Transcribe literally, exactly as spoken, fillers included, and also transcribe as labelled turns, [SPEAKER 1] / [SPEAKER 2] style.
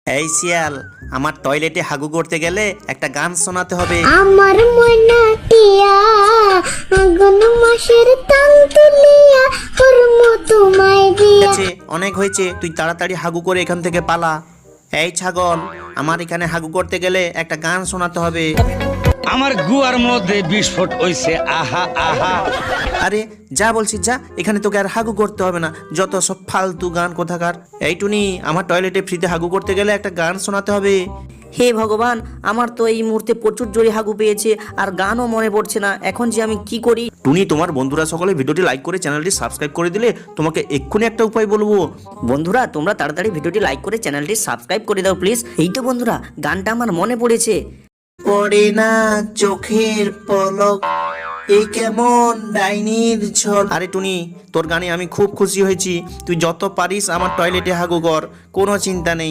[SPEAKER 1] এই শিয়াল, আমার টয়লেটে হাগু করতে গেলে একটা গান শোনাতে হবে।
[SPEAKER 2] আমার মনা টিয়া আগুন মাসের তাং তুলিয়া কর্ম তোমায়
[SPEAKER 1] ঠিক
[SPEAKER 2] দিয়া।
[SPEAKER 1] আছে, অনেক হয়েছে, তুই তাড়াতাড়ি হাগু করে এখান থেকে পালা। এই ছাগল, আমার এখানে হাগু করতে গেলে একটা গান শোনাতে হবে।
[SPEAKER 3] আমার গুয়ার মধ্যে বিস্ফোট হইছে, আহা আহা।
[SPEAKER 1] আরে যা বলছি যা, এখানে তোকে আর হাগু করতে হবে না, যত সব ফালতু গান কোথাকার। এই টুনি, আমার টয়লেটে ফ্রিতে হাগু করতে গেলে একটা গান শোনাতে হবে।
[SPEAKER 4] হে ভগবান, আমার তো এই মুহূর্তে প্রচুর জোরে হাগু পেয়েছে আর গানও মনে পড়ছে না, এখন যে আমি কি করি।
[SPEAKER 1] টুনি, তোমার বন্ধুরা সকলে ভিডিওটি লাইক করে চ্যানেলটি সাবস্ক্রাইব করে দিলে তোমাকে এক্ষুনি একটা উপায় বলবো।
[SPEAKER 4] বন্ধুরা তোমরা তাড়াতাড়ি ভিডিওটি লাইক করে চ্যানেলটি সাবস্ক্রাইব করে দাও প্লিজ। এই তো বন্ধুরা, গানটা আমার মনে পড়েছে।
[SPEAKER 1] পড়ে না চোখের পলক, এই কেমন ডাইনির ঝড়। আরে টুনি, তোর গানে আমি খুব খুশি হয়েছি, তুই যত পারিস আমার টয়লেটে হাগু কর, কোনো চিন্তা নেই।